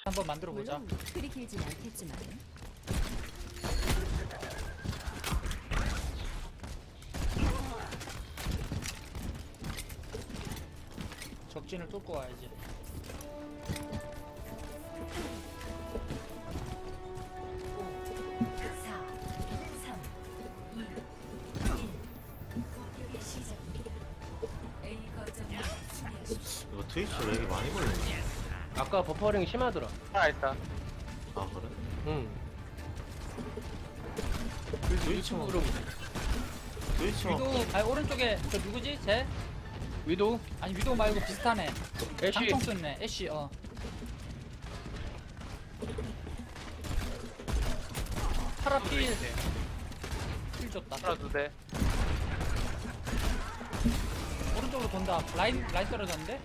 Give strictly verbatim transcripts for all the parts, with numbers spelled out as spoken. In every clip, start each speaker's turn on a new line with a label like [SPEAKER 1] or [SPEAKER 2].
[SPEAKER 1] 한번 만들어 보자.
[SPEAKER 2] 물론 그리 길진 않겠지만
[SPEAKER 1] 적진을 뚫고 와야지.
[SPEAKER 2] 사, 삼, 이, 일. 공격의 시작입니다. A 거점을 수비하십시오.
[SPEAKER 3] 이거 트위치 왜 이렇게 많이 걸리냐?
[SPEAKER 4] 아까 버퍼링 심하더라.
[SPEAKER 5] 살아있다.
[SPEAKER 3] 아 그래?
[SPEAKER 4] 응.
[SPEAKER 3] 트위치만
[SPEAKER 4] 유튜브로
[SPEAKER 3] 트위치만
[SPEAKER 1] 위도 아니 오른쪽에 저 누구지? 쟤?
[SPEAKER 4] 위도우,
[SPEAKER 1] 아니 위도 말고 비슷하네.
[SPEAKER 4] 애쉬.
[SPEAKER 1] 장총 쏘네. 애쉬 어. 파라 필. 필 줬다.
[SPEAKER 5] 하나 두 대.
[SPEAKER 1] 오른쪽으로 돈다. 라인 라인 떨어졌는데?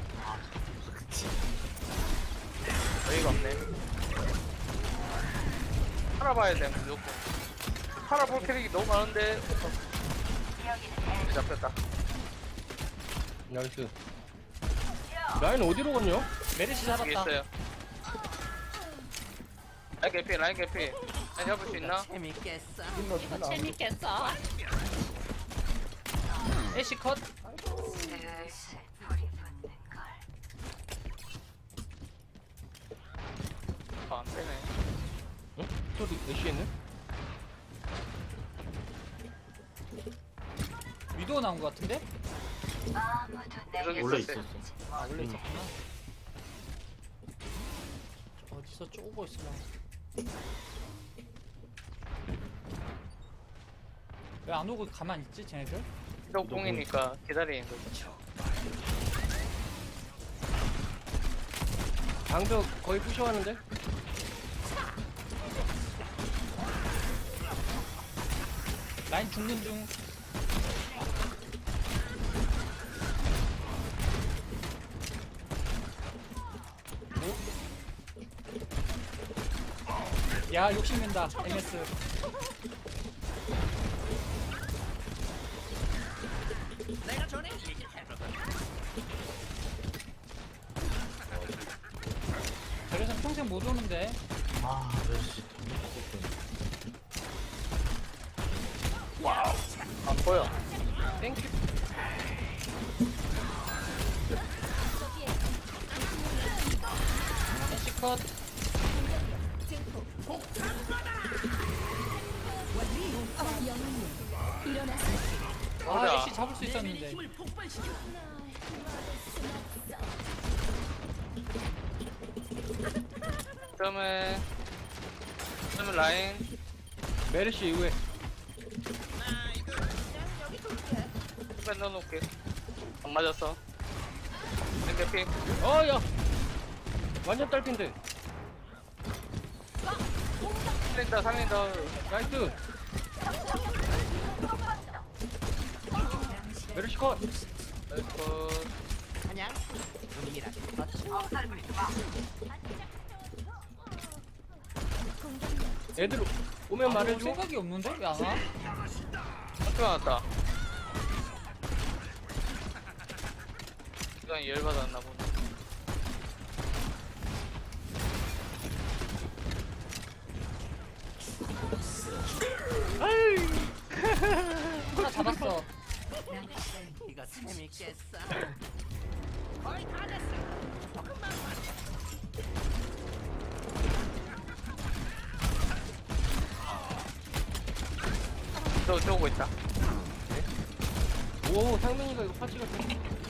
[SPEAKER 5] 여기가 없네. 팔아봐야 돼 무조건. 팔아볼 캐릭이 너무 많은데. 잡혔다.
[SPEAKER 4] 나이스. 라인 어디로 갔냐?
[SPEAKER 1] 메르시
[SPEAKER 5] 여기
[SPEAKER 1] 잡았다.
[SPEAKER 5] 있어요. 라인 개피, 라인 개피. 라인 잡을 수 있나?
[SPEAKER 1] 이거 재밌겠어. 애쉬 컷.
[SPEAKER 5] 아, 안 되네.
[SPEAKER 4] 어? 저도 애쉬 했네?
[SPEAKER 1] 위도 나온 것 같은데?
[SPEAKER 5] 여기
[SPEAKER 3] 원래
[SPEAKER 5] 있었어요.
[SPEAKER 3] 있었어.
[SPEAKER 1] 아 원래
[SPEAKER 3] 음.
[SPEAKER 1] 있었구나. 어디서 쪼고 있으려. 왜 안 오고 가만히 있지 쟤네들?
[SPEAKER 5] 쪽 공이니까 기다리는 거죠.
[SPEAKER 4] 방벽 거의 부셔하는데?
[SPEAKER 1] 라인 죽는 중. 야 욕심낸다 엠에스. 저래서 평생 못 오는데.
[SPEAKER 3] 아 메르시
[SPEAKER 5] 안 보여.
[SPEAKER 4] 땡큐.
[SPEAKER 1] 애쉬 컷. 아
[SPEAKER 5] 맞아.
[SPEAKER 1] 애쉬 잡을 수 있었는데.
[SPEAKER 5] 그러면 그러면 라인
[SPEAKER 4] 메르시 이후에.
[SPEAKER 5] 후배 넣어놓을게. 안 맞았어. 라인 개피.
[SPEAKER 4] 어, 야! 완전 딸핀데.
[SPEAKER 5] 살린다, 살린다.
[SPEAKER 4] 나이스. 메르시 컷.
[SPEAKER 5] 나이스.
[SPEAKER 4] 애들 오면
[SPEAKER 1] 아,
[SPEAKER 4] 말해줘.
[SPEAKER 1] 생각이 없는데 왜 안 와?
[SPEAKER 5] 학교 나왔다. 시간이 열받았나 보네.
[SPEAKER 1] 하나 잡았어.
[SPEAKER 6] 이거 재밌겠어.
[SPEAKER 5] 저, 저 오고 있다.
[SPEAKER 4] 오, 상민이가 이거 파츠가 좀.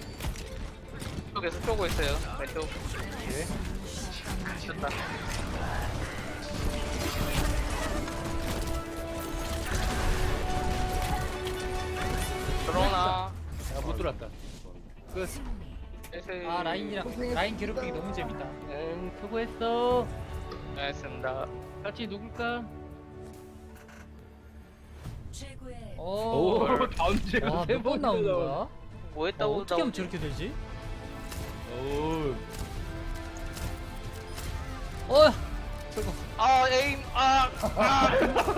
[SPEAKER 5] 쪽에서 쪼고 있어요. 왼쪽.
[SPEAKER 4] 예.
[SPEAKER 5] 미쳤다. 들어오나.
[SPEAKER 4] 아, 못 들어왔다. 끝.
[SPEAKER 5] 에세이.
[SPEAKER 1] 아 라인이랑 라인 괴롭히기 너무 재밌다.
[SPEAKER 4] 응, 수고했어.
[SPEAKER 5] 알겠습니다.
[SPEAKER 4] 같이 누굴까?
[SPEAKER 2] 최고의
[SPEAKER 1] 오.
[SPEAKER 4] 오, 다음 주에
[SPEAKER 1] 와, 몇 번 나오는 거야? 어,
[SPEAKER 5] 뭐 했다고
[SPEAKER 1] 어떻게 하면
[SPEAKER 5] 나오지?
[SPEAKER 1] 저렇게 되지?
[SPEAKER 4] 오.
[SPEAKER 1] 어, 저거.
[SPEAKER 5] 아, 에임, 아, 아.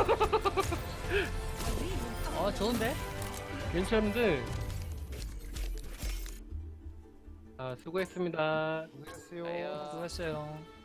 [SPEAKER 1] 어, 좋은데?
[SPEAKER 4] 괜찮은데. 아, 수고했습니다.
[SPEAKER 5] 아유.
[SPEAKER 1] 수고했어요.